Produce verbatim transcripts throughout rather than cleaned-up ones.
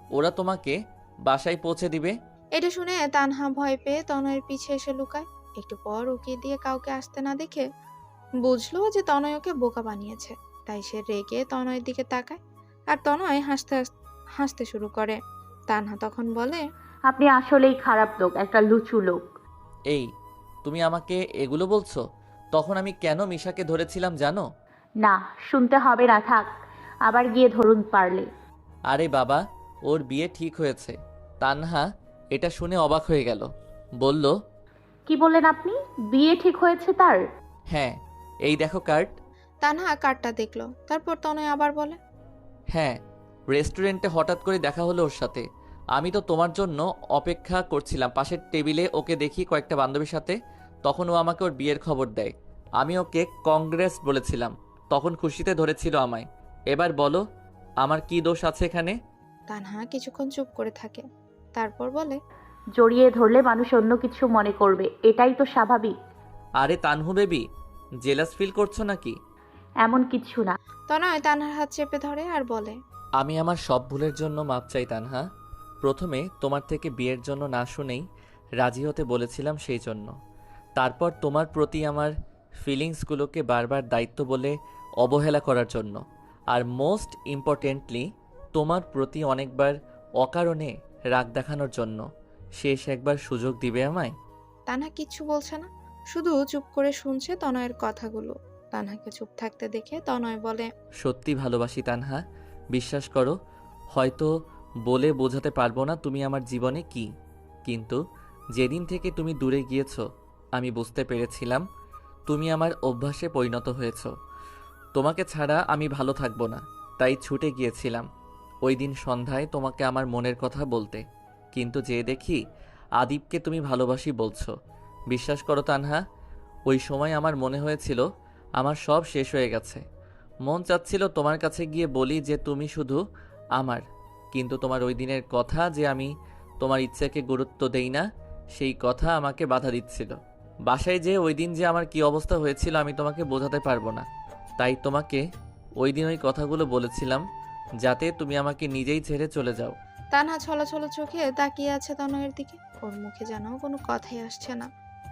ওরা তোমাকে বাসায় পৌঁছে দিবে। এটা শুনে তানহা ভয় পেয়ে তনয়ের পিছে এসে লুকায়। একটু পর উকি দিয়ে কাউকে আসতে না দেখে বুঝলো যে তনয় ওকে বোকা বানিয়েছে। তাই সে রেগে তনয়ের দিকে তাকায়, আর তনয় হাসতে হাস- হাসতে শুরু করে। তানহা তখন বলে, আপনি আসলেই খারাপ লোক, একটা লুচু লোক। এই, তুমি আমাকে এগুলো বলছো? তখন আমি কেন মিশাকে ধরেছিলাম জানো? না, শুনতে হবে না, থাক। আবার গিয়ে ধরুন পারলে। আরে বাবা, ওর বিয়ে ঠিক হয়েছে। তানহা এটা শুনে অবাক হয়ে গেল। বলল, কি বললেন আপনি? বিয়ে ঠিক হয়েছে তার? হ্যাঁ, এই দেখো কার্ড। তানহা কার্ডটা দেখলো। তারপর তনয় আবার বলে, হ্যাঁ, রেস্টুরেন্টে হঠাৎ করে দেখা হলো ওর সাথে। আমি তো তোমার জন্য অপেক্ষা করছিলাম, পাশের টেবিলে ওকে দেখি কয়েকটা বান্ধবীর সাথে। তখন ও আমাকে ওর বিয়ের খবর দেয়। আমি ওকে কংগ্রেস বলেছিলাম, তখন খুশিতে ধরেছিল আমায়। এবার বলো, আমার কি দোষ আছে এখানে? তানহা কিছুক্ষণ চুপ করে থাকে, তারপর বলে, জড়িয়ে ধরলে মানুষ অন্য কিছু মনে করবে, এটাই তো স্বাভাবিক। আরে তানহু বেবি, জেলাস ফিল করছো নাকি? এমন কিছু না। তনয় তানহার হাত চেপে ধরে আর বলে, আমি আমার সব ভুলের জন্য মাপ চাই তানহা। প্রথমে তোমার থেকে বিয়ের জন্য না শুনেই রাজি হতে বলেছিলাম, সেই জন্য। তারপর তোমার প্রতি আমার ফিলিংসগুলোকে বারবার দায়িত্ব বলে অবহেলা করার জন্য। আর মোস্ট ইম্পর্টেন্টলি তোমার প্রতি অনেকবার অকারণে রাগ দেখানোর জন্য। শেষ একবার সুযোগ দিবে আমায়? তানহা কিচ্ছু বলছে না, শুধু চুপ করে শুনছে তনয়ের কথাগুলো। তানহাকে চুপ থাকতে দেখে তনয় বলে, সত্যি ভালোবাসি তানহা, বিশ্বাস করো। হয়তো বলে বোঝাতে পারবো না তুমি আমার জীবনে কি, কিন্তু যেদিন থেকে তুমি দূরে গিয়েছো আমি বুঝতে পেরেছিলাম তুমি আমার অভ্যাসে পরিণত হয়েছো। তোমাকে ছাড়া আমি ভালো থাকবো না, তাই ছুটে গিয়েছিলাম ওই দিন সন্ধ্যায় তোমাকে আমার মনের কথা বলতে। কিন্তু যে দেখি আদিবকে তুমি ভালোবাসি বলছো। বিশ্বাস করো তানহা, ওই সময় আমার মনে হয়েছিল আমার সব শেষ হয়ে গেছে। মন চাচ্ছিল তোমার কাছে গিয়ে বলি যে তুমি শুধু আমার, কিন্তু তোমার ওই দিনের কথা যে আমি তোমার ইচ্ছাকে গুরুত্ব দেই না, সেই কথা আমাকে বাধা দিচ্ছিল। বাসায় যে ওই দিন যে আমার কি অবস্থা হয়েছিল আমি তোমাকে বোঝাতে পারবো না। তাই তোমাকে ওই দিন ওই কথাগুলো বলেছিলাম যাতে তুমি আমাকে নিজেই ছেড়ে চলে যাও। তানহা ছলছল চোখে তাকিয়ে আছে তনয়ের দিকে। ওর মুখে যেন কোনো কথাই আসছে না।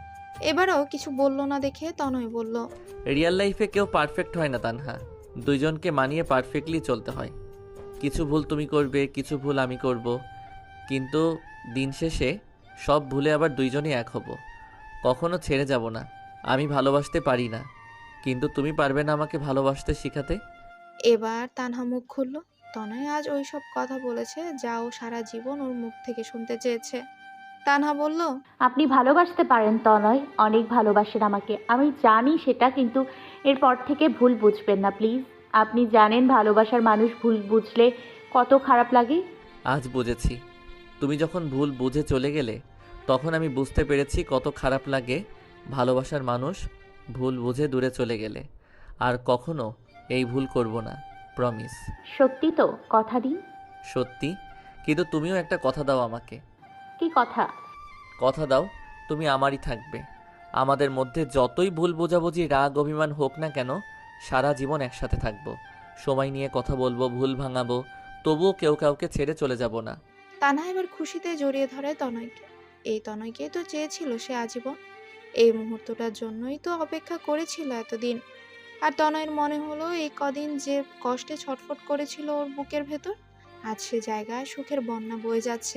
এবারও কিছু বলল না দেখে তনয় বলল, রিয়েল লাইফে কেউ পারফেক্ট হয় না তানহা, দুইজনকে মানিয়ে পারফেক্টলি চলতে হয়। কিছু ভুল তুমি করবে, কিছু ভুল আমি করব, কিন্তু দিন শেষে সব ভুলে আবার দুইজনই এক হব। কখনো ছেড়ে যাব না। আমি ভালোবাসতে পারি না, কিন্তু তুমি পারবে না আমাকে ভালোবাসতে শিখাতে? এবার তানহা মুখ খুলল। তনয় আজ ওই সব কথা বলেছে যা ও সারা জীবন ওর মুখ থেকে শুনতে চেয়েছে। তানহা বলল, আপনি ভালোবাসতে পারেন তনয়, অনেক ভালোবাসেন আমাকে, আমি জানি সেটা, কিন্তু এরপর থেকে ভুল বুঝবেন না প্লিজ। আপনি জানেন ভালোবাসার মানুষ ভুল বুঝলে কত খারাপ লাগে। আজ বুঝেছি। তুমি যখন ভুল বুঝে চলে গেলে তখন আমি বুঝতে পেরেছি কত খারাপ লাগে ভালোবাসার মানুষ ভুল বুঝে দূরে চলে গেলে। আর কখনো এই ভুল করব না, প্রমিস। সত্যি তো? কথা দিন। সত্যি। কিন্তু তুমিও একটা কথা দাও আমাকে। কি কথা? কথা দাও তুমি আমারই থাকবে। আমাদের মধ্যে যতই ভুল বোঝাবুঝি রাগ অভিমান হোক না কেন, সারা জীবন একসাথে থাকবো। সময় নিয়ে কথা বলবো, ভুল ভাঙাবো, তবুও কেউ কাউকে ছেড়ে চলে যাব না। তানহা এবার খুশিতে জড়িয়ে ধরে তনয়কে। এই তনয়কেই তো চেয়েছিল সে আজীবন। এই মুহূর্তটার জন্যই তো অপেক্ষা করেছিল এতদিন। আর তনয়ের মনে হলো এই কদিন যে কষ্টে ছটফট করেছিল ওর বুকের ভেতর, আজ সে জায়গায় সুখের বন্যা বয়ে যাচ্ছে।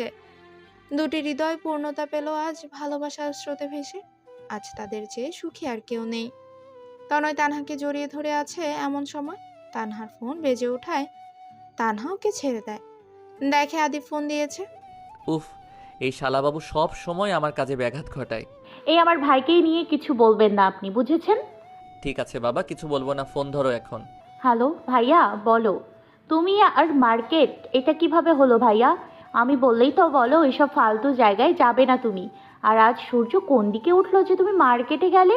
দুটি হৃদয় পূর্ণতা পেল আজ ভালোবাসার স্রোতে ভেসে। আজ তাদের চেয়ে সুখী আর কেউ নেই। তনয় তানহাকে জড়িয়ে ধরে আছে এমন সময় তানহার ফোন বেজে ওঠায় তানহা ওকে ছেড়ে দেয়। দেখে আদি ফোন দিয়েছে। উফ, এই শালাবাবু সব সময় আমার কাজে ব্যাঘাত ঘটায়। এই আমার ভাইকেই নিয়ে কিছু বলবেন না আপনি, বুঝেছেন? ঠিক আছে বাবা, কিছু বলবো না, ফোন ধরো এখন। হ্যালো ভাইয়া, বলো। তুমি আর মার্কেট, এটা কিভাবে হলো ভাইয়া? আমি বললেই তো বলো, এসব ফালতু জায়গায় যাবে না তুমি। আর আজ সূর্য কোন দিকে উঠলো যে তুমি মার্কেটে গেলে?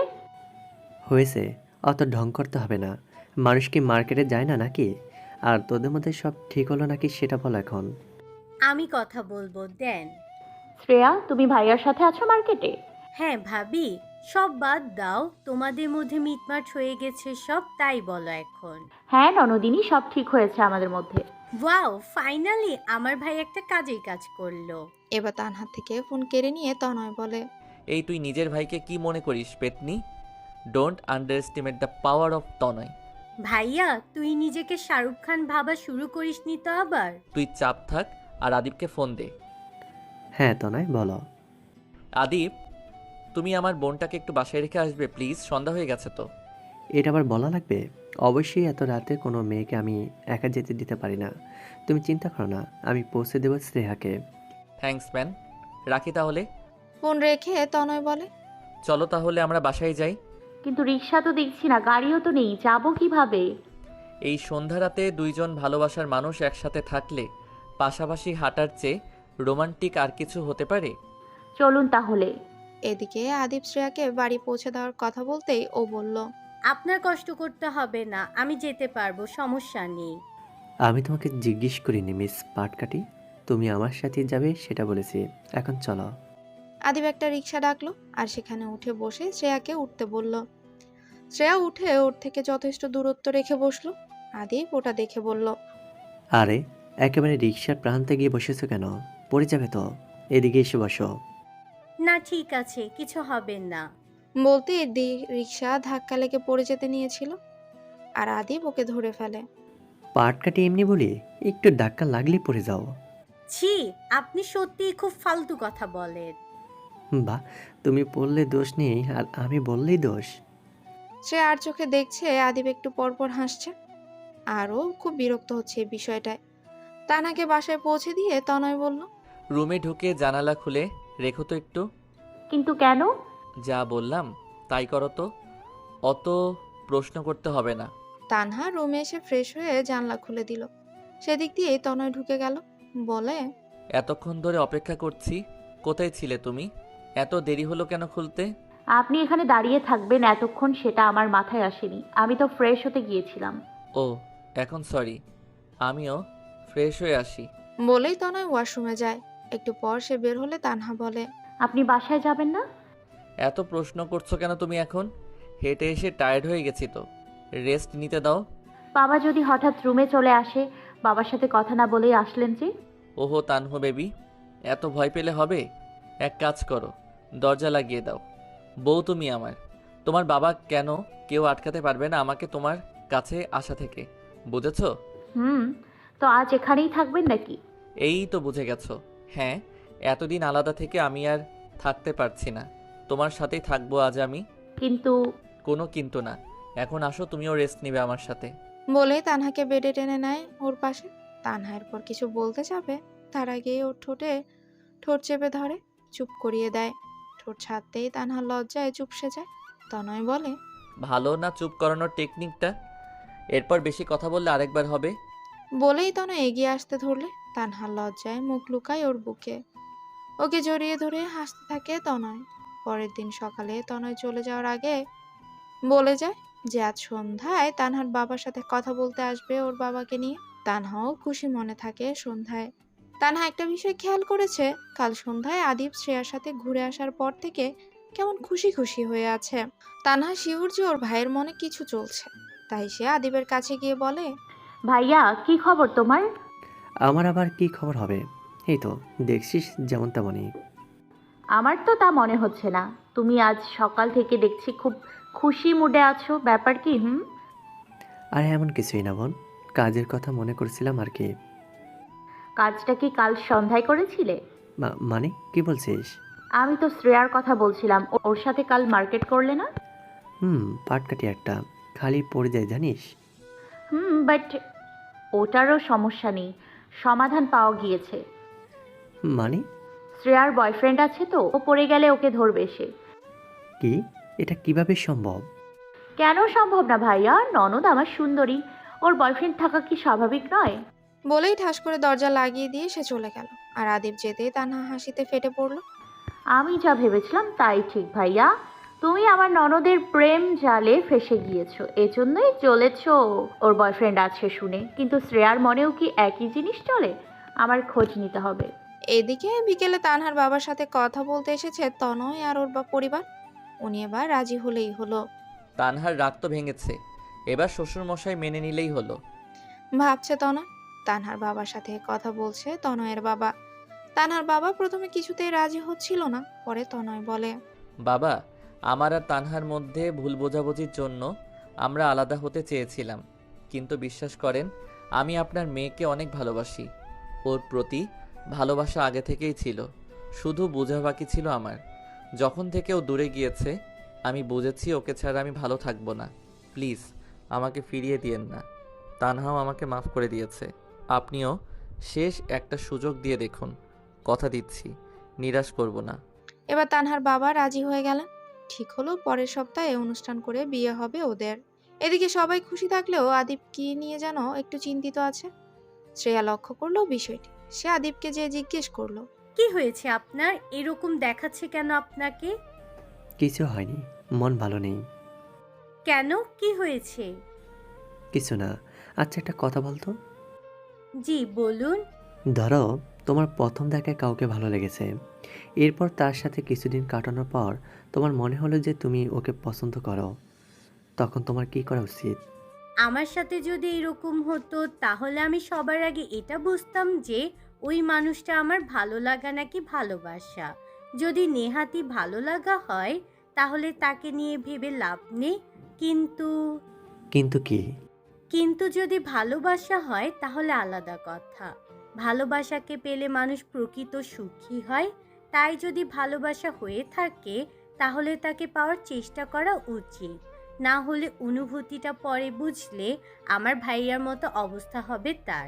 হয়েছে, অত ঢং করতে হবে না। মানুষ কি মার্কেটে যায় না নাকি? আর তোদের মধ্যে সব ঠিক হলো নাকি সেটা বল এখন। আমি কথা বলবো, দেন। শ্রেয়া, তুমি ভাইয়ার সাথে আছো মার্কেটে? হ্যাঁ ভাবি, সব বাদ দাও, তোমাদের মধ্যে মিটমাট হয়ে গেছে সব, তাই বলো এখন। হ্যাঁ ননদিনী, সব ঠিক হয়েছে আমাদের মধ্যে। ওয়াও, ফাইনালি আমার ভাই একটা কাজেই কাজ করলো। এবার তানহার থেকে ফোন কেড়ে নিয়ে তনয় বলে, এই তুই নিজের ভাইকে কি মনে করিস পেতনি? Don't underestimate the power of Tanay. ভাইয়া, তুই নিজেকে শাহরুখ খান ভাবা শুরু করিসনি তো আবার? তুই চাপ থাক আর আদিবকে ফোন দে। হ্যাঁ তনয় বলো। আদিব, তুমি আমার বোনটাকে একটু বাসায় রেখে আসবে প্লিজ, সন্ধ্যা হয়ে গেছে তো। এটা আবার বলা লাগবে? অবশ্যই, এত রাতে কোনো মেয়েকে আমি একা যেতে দিতে পারি না। তুমি চিন্তা করো না, আমি পৌঁছে দেবো স্নেহাকে। থ্যাঙ্কস ম্যান, রাখি তাহলে। ফোন রেখে তনয় বলে, চলো তাহলে আমরা বাসায় যাই। কিন্তু রিক্সা তো দেখছি না, গাড়িও তো নেই, যাবো কিভাবে? এই সন্ধ্যা রাতে দুইজন ভালোবাসার মানুষ একসাথে থাকলে পাশাপাশি হাঁটার চেয়ে রোমান্টিক আর কিছু হতে পারে? চলুন তাহলে। এদিকে আদিব শ্রেয়াকে বাড়ি পৌঁছে দেওয়ার কথা বলতেই ও বলল, আপনার কষ্ট করতে হবে না, আমি যেতে পারবো, সমস্যা নেই। আমি তোমাকে জিজ্ঞেস করিনি মিস পাটকাটি, তুমি আমার সাথে যাবে সেটা বলেছি। এখন চলো। আদিব একটা রিক্সা ডাকলো আর সেখানে উঠে বসে শ্রেয়াকে উঠতে বলল। শ্রেয়া উঠে ওর থেকে যথেষ্ট দূরত্ব রেখে বসলো। আদিব ওটা দেখে বলল, আরে একেবারে রিক্সার প্রান্তে গিয়ে বসেছো কেন? পড়ে যাবে তো, এদিকে এসে বসো। না ঠিক আছে, কিছু হবে না। বলতে দি- রিক্সা ধাক্কা লেগে পড়ে যেতে নিয়েছিল আর আদিব ওকে ধরে ফেলে। পাটকাটি এমনি বলি, একটু ধাক্কা লাগলেই পড়ে যাও। ছি, আপনি সত্যিই খুব ফালতু কথা বলেন। বাহ, তুমি বললে দোষ নেই আর আমি বললেই দোষ। সে আর চোখে দেখছে আদিব একটু পরপর হাসছে আরও খুব বিরক্ত হচ্ছে এই বিষয়টায়। তানাকে বাসায় পৌঁছে দিয়ে তনয় বলল, রুমে ঢুকে জানালা খুলে রেখো তো একটু। কিন্তু কেন? যা বললাম তাই করো তো, অত প্রশ্ন করতে হবে না। তানহা রুমে এসে ফ্রেশ হয়ে জানলা খুলে দিল। সেদিক দিয়ে তনয় ঢুকে গেল, বলে, এতক্ষণ ধরে অপেক্ষা করছি, কোথায় ছিলে তুমি? এত দেরি হলো কেন খুলতে? আপনি এখানে দাঁড়িয়ে থাকবেন এতক্ষণ সেটা আমার মাথায় আসেনি, আমি তো ফ্রেশ হতে গিয়েছিলাম। ও এখন সরি, আমিও ফ্রেশ হয়ে আসি। বলেই তনয় ওয়াশরুমে যায়। একটু পর সে বের হলে তানহা বলে, আপনি বাসায় যাবেন না? এত প্রশ্ন করছো কেন তুমি এখন? হেঁটে এসে টায়ার্ড হয়ে গেছি তো, রেস্ট নিতে দাও। বাবা যদি হঠাৎ রুমে চলে আসে? বাবার সাথে কথা না বলেই আসলেন যে? ওহো তানহো বেবি, এত ভয় পেলে হবে? এক কাজ করো, দরজা লাগিয়ে দাও। বউ তুমি আমার, তোমার বাবা কেন কেউ আটকাতে পারবে না আমাকে তোমার কাছে আসা থেকে, বুঝেছো? হুম, তো আজ এখানেই থাকবেন নাকি? এই তো বুঝে গেছো। হ্যাঁ, এতদিন আলাদা থেকে আমি আর থাকতে পারছি না, তোমার সাথেই থাকবো আজ আমি। কিন্তু কোনো কিন্তু না, এখন আসো, তুমিও রেস্ট নিবে আমার সাথে। বলে তানহাকে বেডে টেনে নেয় ওর পাশে। তানহা এরপর কিছু বলতে যাবে তার আগেই ওর ঠোঁটে ঠোঁট চেপে ধরে চুপ করিয়ে দেয়। ঠোঁট ছাড়তেই তানহা লজ্জায় চুপসে যায়। তনয় বলে, ভালো না চুপ করানোর টেকনিকটা? এরপর বেশি কথা বললে আরেকবার হবে। বলেই তনয় এগিয়ে আসতে ধরলে তানহা লজ্জায় মুখ লুকায় ওর বুকে। ওকে জড়িয়ে ধরে হাসতে থাকে তনয়। পরের দিন সকালে তনয় চলে যাওয়ার আগে বলে যায় যে আজ সন্ধ্যায় তানহার বাবার সাথে কথা বলতে আসবে ওর বাবাকে নিয়ে। তানহাও খুশি মনে থাকে সন্ধ্যায়। তানহা একটা বিষয় খেয়াল করেছে, কাল সন্ধ্যায় আদিব শ্রেয়ার সাথে ঘুরে আসার পর থেকে কেমন খুশি খুশি হয়ে আছে। তানহা শিউর যে ওর ভাইয়ের মনে কিছু চলছে, তাই সে আদিবের কাছে গিয়ে বলে, ভাইয়া কি খবর তোমার? আমার আবার কি খবর হবে? এই তো দেখছিস যেমন তেমনই। আমার তো তা মনে হচ্ছে না, তুমি আজ সকাল থেকে দেখছি খুব খুশি মুডে আছো, ব্যাপার কি? হুম, আর এমন কিছুই না বোন, কাজের কথা মনে করছিলাম আর কি। কাজটা কি কাল সন্ধ্যায় করেছিলে? মা- মানে কি বলছিস? আমি তো শ্রেয়ার কথা বলছিলাম, ও- ওর সাথে কাল মার্কেট করলে না? হুম, পাটকাটি একটা, খালি পড়ে যায় জানিস। হুম, বাট ওটারও সমস্যা নেই, সমাধান পাওয়া গিয়েছে। মানে? শ্রেয়ার বয়ফ্রেন্ড আছে তো, ও পড়ে গেলে ওকে ধরবে সে। কি? এটা কিভাবে সম্ভব? কেন সম্ভব না ভাইয়া? ননদ আমার সুন্দরী, ওর বয়ফ্রেন্ড থাকা কি স্বাভাবিক নয়? বলেই ঠাস করে দরজা লাগিয়ে দিয়ে সে চলে গেল। আর আদিব যেতেই তানহা হাসিতে ফেটে পড়ল। আমি যা ভেবেছিলাম তাই ঠিক ভাইয়া, তুমি আমার ননদের প্রেম জালে ফেসে গিয়েছো, এজন্যই চলেছো ওর বয়ফ্রেন্ড আছে শুনে। কিন্তু শ্রেয়ার মনেও কি একই জিনিস চলে? আমার খোঁজ নিতে হবে। এদিকে বিকেলে তানহার বাবার সাথে কথা বলতে এসেছে তনয় আর ওর বা পরিবার। উনি এবার রাজি হলেই হলো। তানহার রাগ তো ভেঙেছে, এবার শ্বশুরমশাই মেনে নিলেই হলো। ভাবছে তনয়। তানহার বাবার সাথে কথা বলছে তনয়ের বাবা। তানহার বাবা প্রথমে কিছুতেই রাজি হচ্ছিল না, পরে তনয় বলে, বাবা, আমার আর তানহার মধ্যে ভুল বোঝাবুঝির জন্য আমরা আলাদা হতে চেয়েছিলাম, কিন্তু বিশ্বাস করেন আমি আপনার মেয়েকে অনেক ভালোবাসি। ওর প্রতি ভালোবাসা আগে থেকেই ছিল, শুধু বোঝা বাকি ছিল আমার। যখন থেকে ও দূরে গিয়েছে আমি বুঝেছি ওকে ছাড়া আমি ভালো থাকবো না। প্লিজ আমাকে ফিরিয়ে দিয়েন না। তানহাও আমাকে মাফ করে দিয়েছে, আপনিও শেষ একটা সুযোগ দিয়ে দেখুন। কথা দিচ্ছি নিরাশ করব না। এবার তানহার বাবা রাজি হয়ে গেলেন। ঠিক হলো পরের সপ্তাহে অনুষ্ঠান করে বিয়ে হবে ওদের। এদিকে সবাই খুশি থাকলেও আদিপ কি নিয়ে যেন একটু চিন্তিত আছে। শ্রেয়া লক্ষ্য করলো বিষয়টি। সে আদিপকে যে জিজ্ঞেস করলো, কি হয়েছে আপনার? এরকম দেখাচ্ছে কেন আপনাকে? কিছু হয়নি, মন ভালো নেই। কেন, কি হয়েছে? কিছু না। আচ্ছা, একটা কথা বলতো। জি বলুন। ধরো তোমার প্রথম দেখায় কাউকে ভালো লেগেছে, এরপর তার সাথে কিছুদিন কাটানোর পর তোমার মনে হলো যে তুমি ওকে পছন্দ করো, তখন তোমার কি করা উচিত? আমার সাথে যদি এরকম হতো তাহলে আমি সবার আগে এটা বুঝতাম যে ওই মানুষটা আমার ভালো লাগা নাকি ভালোবাসা। যদি নেহাতি ভালো লাগা হয় তাহলে তাকে নিয়ে ভেবে লাভ নেই। কিন্তু কিন্তু কি? কিন্তু যদি ভালোবাসা হয় তাহলে আলাদা কথা। ভালোবাসাকে পেলে মানুষ প্রকৃত সুখী হয়। তাই যদি ভালোবাসা হয়ে থাকে তাহলে তাকে পাওয়ার চেষ্টা করা উচিত। না হলে অনুভূতিটা পরে বুঝলে আমার ভাইয়ার মতো অবস্থা হবে তার।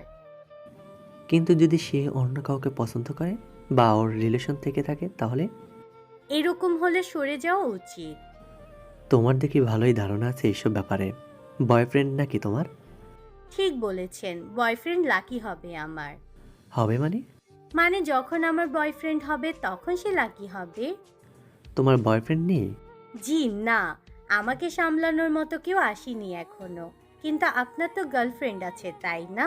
কিন্তু যদি সে অন্য কাউকে পছন্দ করে বা ওর রিলেশন থেকে থাকে তাহলে? এরকম হলে সরে যাওয়া উচিত। তোমার দেখি ভালোই ধারণা আছে এইসব ব্যাপারে। বয়ফ্রেন্ড নাকি তোমার? ঠিক বলেছেন, বয়ফ্রেন্ড লাকি হবে আমার। হবে মানে? মানে যখন আমার বয়ফ্রেন্ড হবে তখন সে লাকি হবে। তোমার বয়ফ্রেন্ড নেই? জি না, আমাকে সামলানোর মতো কেউ আসেনি এখনো। কিন্তু আপনার তো গার্লফ্রেন্ড আছে তাই না?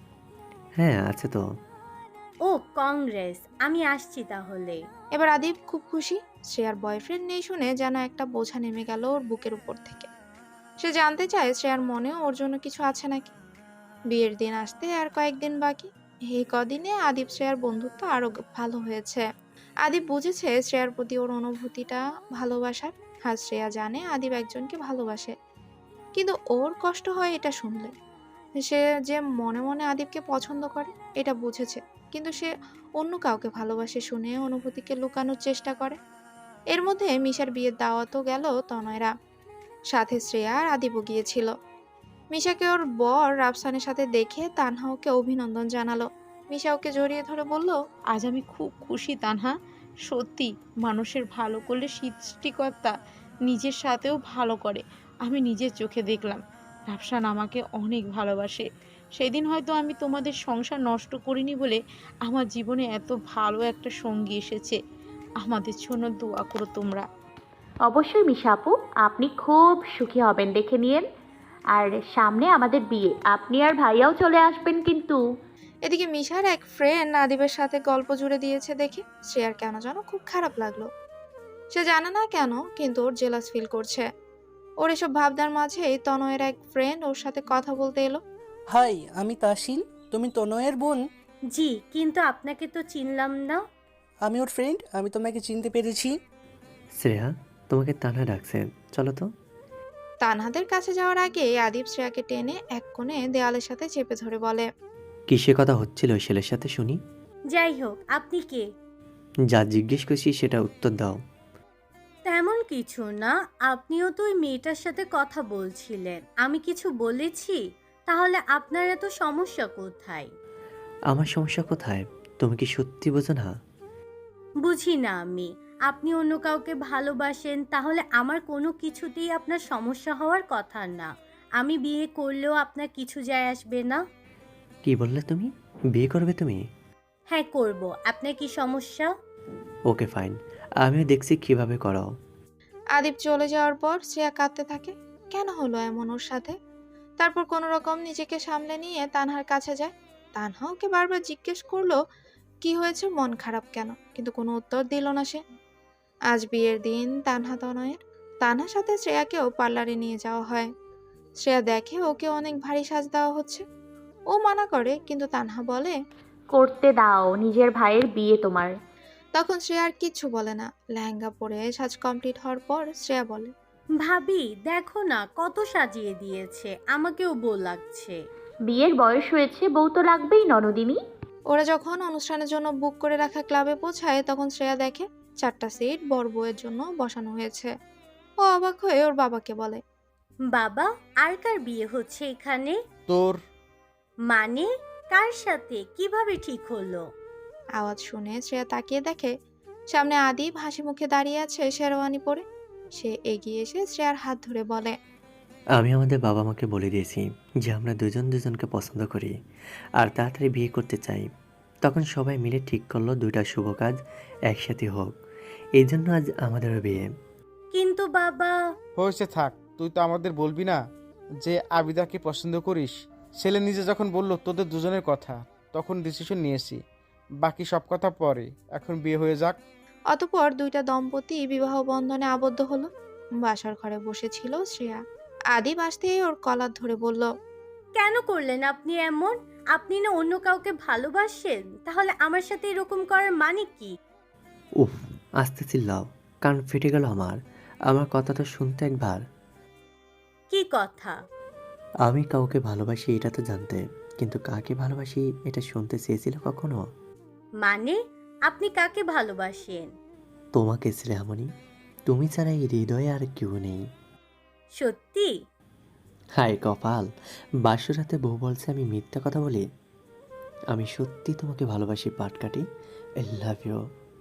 হ্যাঁ আছে তো। ও কংগ্রেস, আমি আসছি তাহলে। এবার আদিপ খুব খুশি। শ্রেয়ার বয়ফ্রেন্ড নেই শুনে যেন একটা বোঝা নেমে গেল ওর বুকের উপর থেকে। সে জানতে চায় শ্রেয়ার মনেও ওর জন্য কিছু আছে নাকি। বিয়ের দিন আসতে আর কয়েকদিন বাকি। এই কদিনে আদিপ শ্রেয়ার বন্ধুত্ব আরো গ- ভালো হয়েছে। আদিপ বুঝেছে শ্রেয়ার প্রতি ওর অনুভূতিটা ভালোবাসার। আর শ্রেয়া জানে আদিপ একজনকে ভালোবাসে, কিন্তু ওর কষ্ট হয় এটা শুনলে। সে যে মনে মনে আদিপকে পছন্দ করে এটা বুঝেছে, কিন্তু সে অন্য কাউকে ভালোবাসে শুনে অনুভূতিকে লুকানোর চেষ্টা করে। এর মধ্যে মিশার বিয়ের দাওয়াতও গেল তনয়রা, সাথে শ্রেয়া আর আদিপও গিয়েছিল। মিশাকে ওর বর রাফসানের সাথে দেখে তানহা ওকে অভিনন্দন জানালো। মিশা ওকে জড়িয়ে ধরে বলল, আজ আমি খুব খুশি তানহা। সত্যি, মানুষের ভালো করলে সৃষ্টিকর্তা নিজের সাথেও ভালো করে। আমি নিজের চোখে দেখলাম রাফসান আমাকে অনেক ভালোবাসে। সেদিন হয়তো আমি তোমাদের সংসার নষ্ট করিনি বলে আমার জীবনে এত ভালো একটা সঙ্গী এসেছে। আমাদের জন্য দোয়া করো তোমরা। অবশ্যই মিশা আপু, আপনি খুব সুখী হবেন দেখে নিয়েন। আর সামনে আমাদের বিয়ে, আপনি আর ভাইয়াও চলে আসবেন কিন্তু। এদিকে মিশার এক ফ্রেন্ড আদিবের সাথে গল্প জুড়ে দিয়েছে দেখে শ্রেয়ার কেন যেন খুব খারাপ লাগলো। সে জানে না কেন, কিন্তু ওর জেলাস ফিল করছে। ওর এসব ভাবনার মাঝেই তনয়ের এক ফ্রেন্ড ওর সাথে কথা বলতে এলো। হাই, আমি তাসিন। তুমি তনয়ের বোন? জি, কিন্তু আপনাকে তো চিনলাম না। আমি ওর ফ্রেন্ড, আমি তোমাকে চিনতে পেরেছি। শ্রেয়া, তোমাকে তানা ডাকছে, চলো তো। তানহাদের কাছে যাওয়ার আগে আদিব শ্রেয়াকে টেনে এক কোণে দেওয়ালের সাথে চেপে ধরে বলে, কিসে কথা হচ্ছিল ওই ছেলের সাথে শুনি? যাই হোক, আপনি কে? যা জিজ্ঞেস করছি সেটা উত্তর দাও। তেমন কিছু না, আপনিও তো ওই মেয়েটার সাথে কথা বলছিলেন। আমি কিছু বলেছি? তাহলে আপনার এত সমস্যা কোথায়? আমার সমস্যা কোথায়? তুমি কি সত্যি বোঝো না? বুঝি না আমি। আপনি অন্য কাউকে ভালোবাসেন তাহলে আমার কোনো কিছুতেই আপনার সমস্যা হওয়ার কথা না। আমি বিয়ে করলেও আপনার কিছু যায় আসবে না। কি বললে তুমি? বিয়ে করবে তুমি? হ্যাঁ করব, আপনার কি সমস্যা? ওকে ফাইন, আমিও দেখছি কিভাবে করো। আদিব চলে যাওয়ার পর শ্রেয়া কাঁদতে থাকে। কেন হলো এমন ওর সাথে? তারপর কোনো রকম নিজেকে সামলে নিয়ে তানহার কাছে যায়। তানহা ওকে বারবার জিজ্ঞেস করলো কি হয়েছে, মন খারাপ কেন, কিন্তু কোনো উত্তর দিল না সে। আজ বিয়ের দিন তানহা তনয়ের। তানহার সাথে শ্রেয়াকেও পার্লারে নিয়ে যাওয়া হয়। শ্রেয়া দেখে ওকে অনেক ভারী সাজ দেওয়া হচ্ছে। ও মানা করে কিন্তু তানহা বলে। করতে দাও, নিজের ভাইয়ের বিয়ে তোমার। তখন শ্রেয়া আর কিচ্ছু বলে না। লেহেঙ্গা পরে সাজ কমপ্লিট হওয়ার পর শ্রেয়া বলে, ভাবি দেখো না কত সাজিয়ে দিয়েছে, আমাকেও বউ লাগছে। বিয়ের বয়স হয়েছে, বউ তো লাগবেই ননদিনী। ওরা যখন অনুষ্ঠানের জন্য বুক করে রাখা ক্লাবে পৌঁছায় তখন শ্রেয়া দেখে চারটা সিট বর বউয়ের জন্য বসানো হয়েছে। ও অবাক হয়ে ওর বাবাকে বলে, বাবা, আর কার বিয়ে হচ্ছে এখানে? তোর। মানে কার সাথে, কিভাবে ঠিক হলো? আওয়াজ শুনে শ্রেয়া তাকিয়ে দেখে সামনে আদিব হাসি মুখে দাঁড়িয়ে আছে শেরওয়ানি পরে। সে এগিয়ে এসে শ্রেয়ার হাত ধরে বলে, আমি আমাদের বাবা মাকে বলে দিয়েছি যে আমরা দুজন দুজনকে পছন্দ করি আর তাড়াতাড়ি বিয়ে করতে চাই। তখন সবাই মিলে ঠিক করলো দুইটা শুভ কাজ একসাথে হোক, এই জন্য আজ আমাদেরও বিয়ে। কিন্তু বাবা। হয়েছে থাক, তুই তো আমাদের বলবি না যে আবিদাকে পছন্দ করিস। ছেলে নিজে যখন বলল তোদের দুজনের কথা, তখন ডিসিশন নিয়েছি, বাকি সব কথা পরে, এখন বিয়ে হয়ে যাক। অতঃপর দুইটা দম্পতি বিবাহ বন্ধনে আবদ্ধ হলো। বাসার ঘরে বসেছিল শ্রেয়া। আদিব আসতেই ওর কলার ধরে বলল, কেন করলেন আপনি এমন? আপনি না অন্য কাউকে ভালোবাসেন, তাহলে আমার সাথে এরকম করার মানে কি? উফ, আস্তে চিল্লাও, কান ফেটে গেল আমার। আমার কথাটা শুনতে একবার। কি কথা? আমি কাউকে ভালোবাসি এটা তো জানতে, কিন্তু কাকে ভালোবাসি এটা শুনতে চেয়েছিল কখনো? মানে আপনি কাকে ভালোবাসেন? তোমাকে শ্রেয়ামণি, তুমি ছাড়া এই হৃদয়ে আর কেউ নেই। সত্যি? হায় কপাল, বাসরাতে বউ বলছে আমি মিথ্যা কথা বলি। আমি সত্যি তোমাকে ভালোবাসি পাটকাটি। I love you.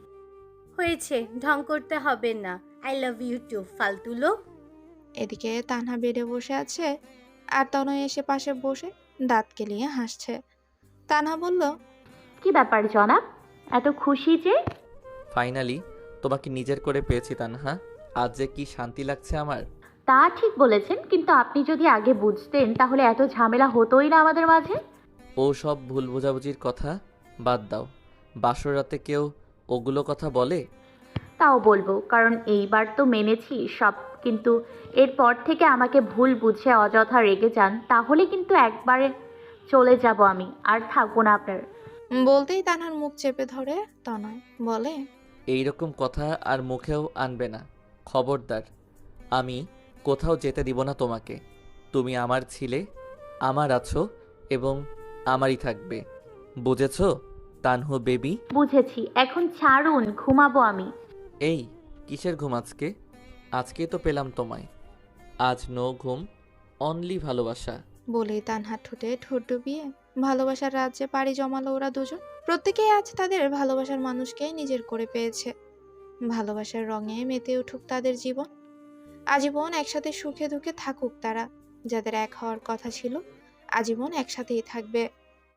হয়েছে, ঢং করতে হবে না। আই লাভ ইউ টু, ফালতু লোক। এদিকে তানহা বেডে বসে আছে আর তনয় এসে পাশে বসে দাঁত কেলিয়ে হাসছে। তানহা বলল, কি ব্যাপার জনাব, এত খুশি যে? ফাইনালি তোমাকে নিজের করে পেয়েছি তানহা। আজ যে কি শান্তি লাগছে আমার। তা ঠিক বলেছেন, কিন্তু আপনি যদি আগে বুঝতেন তাহলে এত ঝামেলা হতোই না আমাদের মাঝে। ও সব ভুল বোঝাবুঝির কথা বাদ দাও। বাসর রাতে কেউ ওগুলো কথা বলে? তাও বলবো, কারণ এইবার তো মেনেছি সব, কিন্তু এরপর থেকে আমাকে ভুল বুঝে অযথা রেগে যান তাহলে কিন্তু একবারে চলে যাব আমি, আর থাকবো না আপনার। বলতেই তানহার মুখ চেপে ধরে তনয় বলে, এইরকম কথা আর মুখেও আনবে না, খবরদার। আমি কোথাও যেতে দিব না তোমাকে। তুমি আমার ছিলে, আমার আছো এবং আমারই থাকবে, বুঝেছো তানহু বেবি? বুঝেছি, এখন ছাড়ুন, ঘুমাবো আমি। এই কিসের ঘুম আজকে? আজকেই তো পেলাম তোমায়। আজ নো ঘুম, অনলি ভালোবাসা। বলেই তানহার ঠোঁটে ঠোঁট ডুবিয়ে ভালোবাসার রাজ্যে পাড়ি জমালো ওরা দুজন। প্রত্যেকেই আজ তাদের ভালোবাসার মানুষকেই নিজের করে পেয়েছে। ভালোবাসার রঙে মেতে উঠুক তাদের জীবন। আজীবন একসাথে সুখে দুঃখে থাকুক তারা। যাদের এক হওয়ার কথা ছিল আজীবন একসাথেই থাকবে।